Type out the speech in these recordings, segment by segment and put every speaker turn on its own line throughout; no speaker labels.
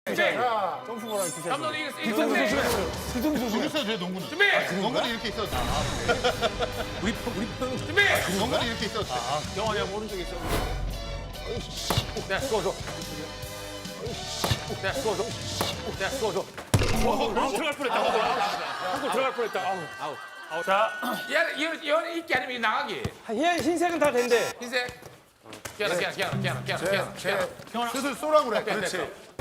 자, 점프보랑 주세요.
감독님 이거
뒤통수 조심해. 뒤통수 조심해.
여기서 돼 농구는.
준비.
농구는 이렇게 있어도 돼.
우리 편.
준비.
농구는 이렇게 있어도 돼.
영환이 형 오른쪽에 있어. 네, 쏘줘. 네, 쏘줘. 네, 쏘줘. 들어갈 뻔했다. 한골 들어갈 뻔했다. 아우. 자, 얘는 있기 아니면 나가기.
얘 흰색은 다 된대.
흰색. 기아나.
슬슬 쏘라고 그래. 그렇지.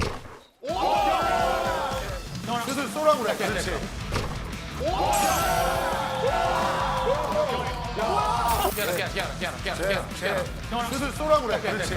슬슬 쏘라고 그래. 그렇지.
기아나.
슬슬 쏘라고 그래. 그렇지.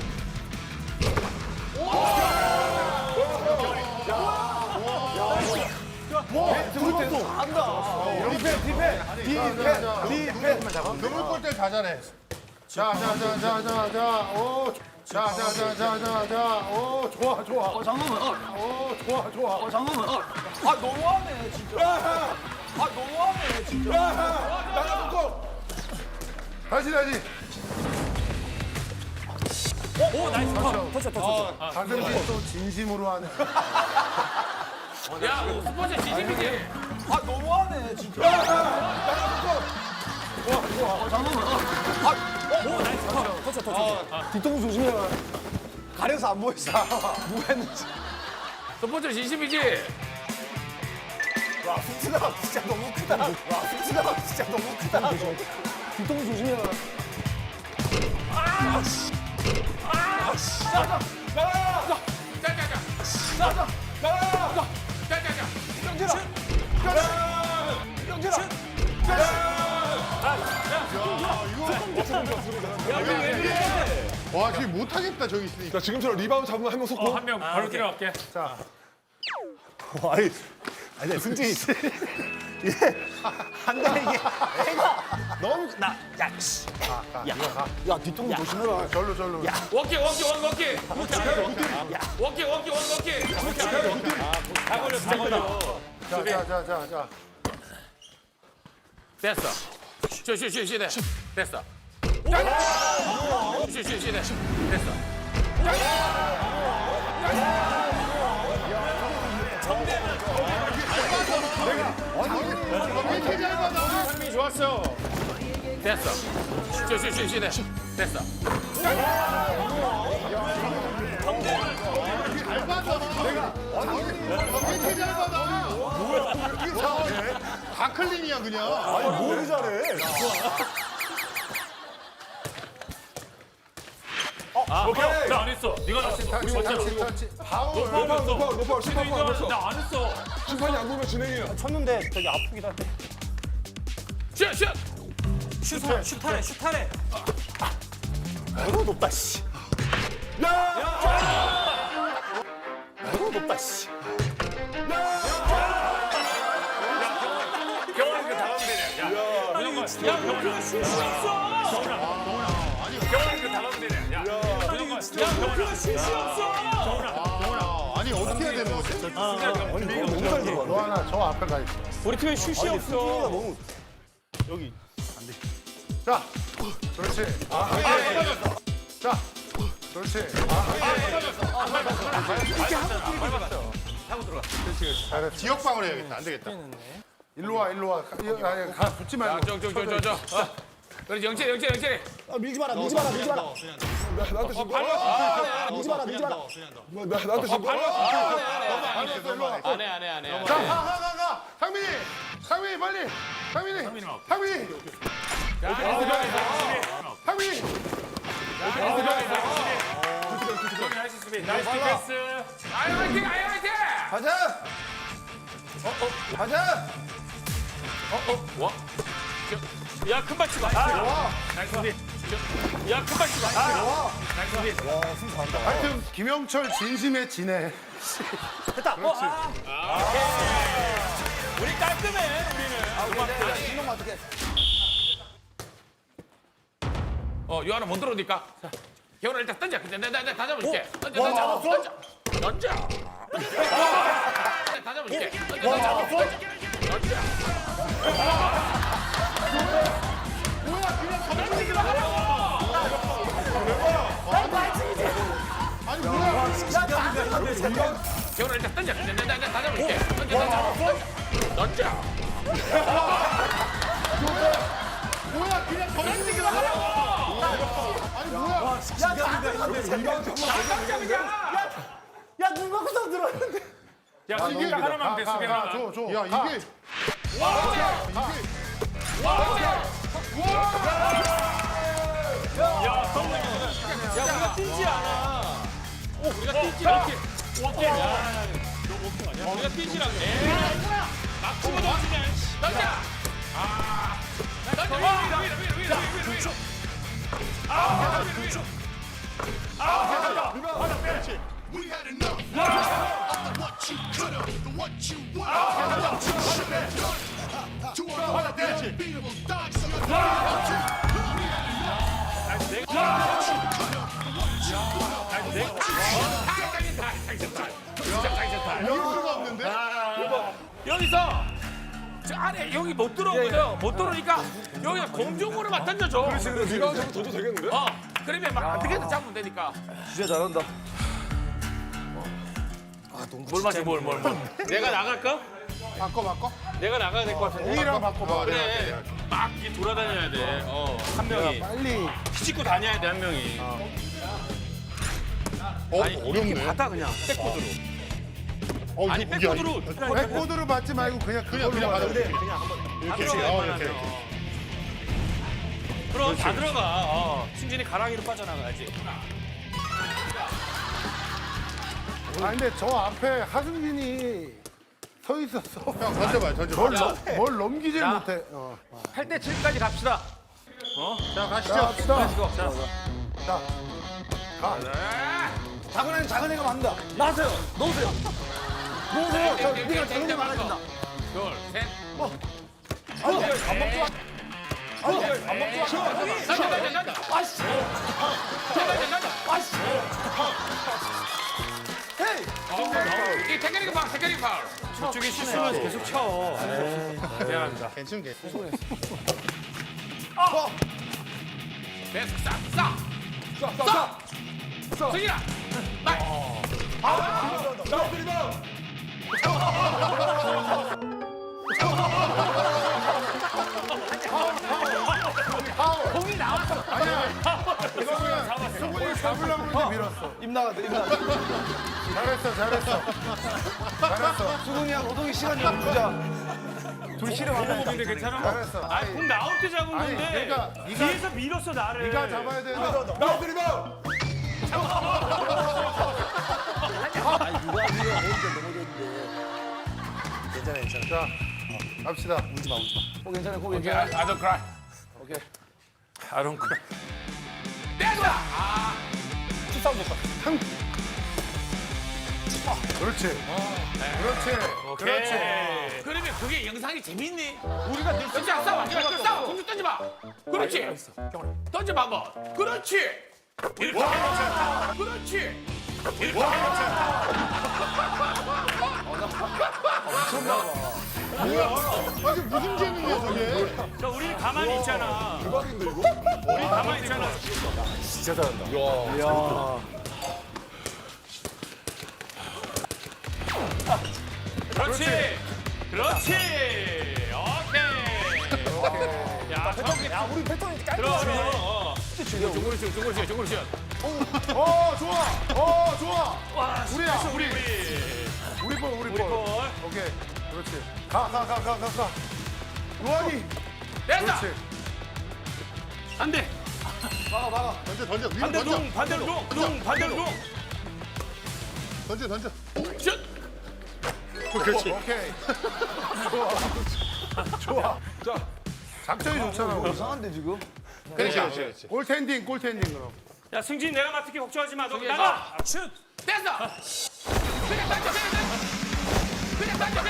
그물 골대 다 잘해. 자. 오. 자. 오, 좋아.
잠깐만.
오, 좋아.
잠깐만. 너무하네 진짜. 너무하네 진짜.
나가놓고. 다시.
오 나이스. 터쳐.
가슴이 또 진심으로 하네.
야, 스포츠 지짐이지.
너무하네 진짜. 잠깐만. 오 나이스. 터쳐. 뒤통수 조심해. 가려서 안 보였어. 뭐 했는지.
스포츠 진심이지.
와 훅트가 진짜 너무 크다. 뒤통수 조심해.
와, 지금 못하겠다, 저기 있으니까.
자, 지금처럼 리바운드 잡으면 한 명 속고.
한 명 바로 들어갈게.
아니 승진이 이게 한다 이게 애가 너무 야 뒤통수 조심해라.
절로.
워킹. 다 걸려.
자.
됐어. 쉬. 됐어. 쉬. 됐어.
상민이 좋았어.
됐어. 쉬. 됐어.
다 클린이야, 그냥.
뭘 잘해.
오케이. 나안 했어. 네가 났어.
터치. 파울.
높아. 심판이 안 했어.
나안 했어.
심판이 안 보면 진행이야.
쳤는데 저기 아프기도 한데.
슛.
슛하래. 너무 높다 씨. 너무 높다 씨.
경원이 그 다음 되네. 야, 경원아 슛이 없어. 경원이 그 다음 되네. 야, 경원아 슛이 없어.
아니, 어떻게 해야 되는 거지? 너 하나 저 앞에 가 있어.
우리 팀에 슛이 없어. 너무
자, 그렇지. 자, 그렇지. 잘했어. 지역방을 해야겠다. 안 되겠다. 일로 와. 아니, 붙지 말고.
저. 그래, 영철이.
밀지 마라.
나한테 지금.
나한테 지금.
안 해.
자, 가. 상민이, 빨리. 상민이.
나이스 디펜스. 아이 화이팅.
가자.
뭐? 야, 큰 발치고. 나이스 디. 야, 큰 발치고. 나이스 디.
하여튼 김영철 진심에 지네.
됐다.
우리 깔끔해, 우리는.
신동 어떻게?
요 하나 못 들어오니까. 경원아 일단 던져. 내가 다 잡아줄게. 던져. 다 잡아줄게. 던져.
아니, 뭐야.
경훈아 일단 던져. 나 잡을게. 던져.
뭐야 그냥 던지기만 하라고. 아니 뭐야?
야, 눈 감고서 들어왔는데.
야, 수비 하나만 돼, 수비 하나.
줘. 야 이게
우리가 뛰지 않아. 우리가 뛰지 않게. 오케이. 야, 너 오케이 아니야? 우리가 뛰지라고. 막 치고 던지냐. 던져. 던져. 위로.
We had enough of what you could have, what you want. To a unbeatable dog, so you're
이럴 수가 없는데?
여기서 저 안에 여기 못 들어오거든. 못 들어오니까 여기가 공중으로 막 던져줘.
리바운드 줘도 되겠는데?
그러면 막 어떻게든 잡으면 되니까.
진짜 잘한다.
뭘 마시 뭘. 내가 나갈까?
바꿔.
내가 나가야 될 것 같은데.
우리랑 바꿔봐.
그래. 막 이렇게 돌아다녀야 돼. 한 명이.
빨리.
피집고 다녀야 돼, 한 명이.
어렵네.
받아 그냥. 백코드로. 아니,
이게
백코드로.
백코드로 받지 말고 그냥 그걸로 받아.
근데
이렇게. 이렇게.
그럼 다 들어가. 승진이 가랑이로 빠져나가야지.
아 근데 저 앞에 하승진이 서 있었어. 형 던져봐요. 뭘 넘기질 못해.
8대 7까지 갑시다.
자 가시죠. 자.
작은 애가 맞는다. 나세요. 놓으세요. 저 니가 작은 애 많아진다.
둘, 셋.
밥 먹지 마. 밥 먹지 마.
던져.
아씨. 아씨. 헤이.
이 테크닉 파울.
저쪽에 실수만 계속 쳐.
미안합니다.
괜찮.
계속 싹. 승진아.
이거는 수근이 잡으려고 했는데 밀었어.
입 나간다.
잘했어.
수근이랑 노동이 시간 좀 주자. 둘 실험하자.
근데 괜찮아?
잘했어.
아니 공 나올 때 잡은
아니
건데
그러니까
뒤에서 밀었어 나를.
네가 잡아야 되는데.
나이스 리바운드!
아니 누가 니가 오는데 넘어졌는데. 괜찮아.
자 갑시다.
울지 마. 괜찮아. 고
오케이,
괜찮아.
I don't cry.
오케이.
아론 크.
됐다.
축사운 좋다.
그렇지.
그러면 그게 영상이 재밌니? 우리가 늘 진짜 싸워. 싸워. 공주 던져봐. 그렇지. 던져봐 한번. 그렇지. 이렇게. 그렇지. 이렇게.
아니 무슨 재능이야 저게?
자 우리 가만히 있잖아.
대박인데 이거?
우리 가만히 있잖아.
진짜 잘한다.
그렇지. 오케이. 야,
야, 우리 패턴이
들어.
깔끔하네.
중거리 슛.
좋아.
와,
우리야, 우리.
우리
볼.
볼.
오케이. 그렇지. 가. 로아니.
됐다.
그렇지.
안 돼.
막아.
던져. 위로
반대로
던져.
동, 반대로 동.
던져.
슛.
그렇지. 오케이. 좋아.
자,
작전이 좋잖아.
이상한데 지금?
그렇지. 골텐딩 그럼.
야 승진 내가 맡을게 걱정하지 마. 너 나가. 슛.
됐어. 그냥 던져. 됐어. 그냥 던져.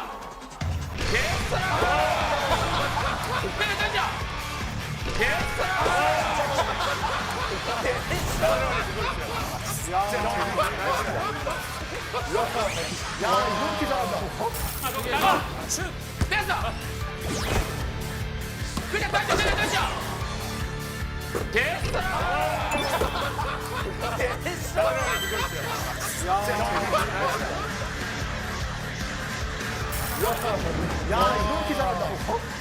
야, 이렇게 잘한다고?
나가. 슛.
됐어. 그냥 던져. 됐어.
야,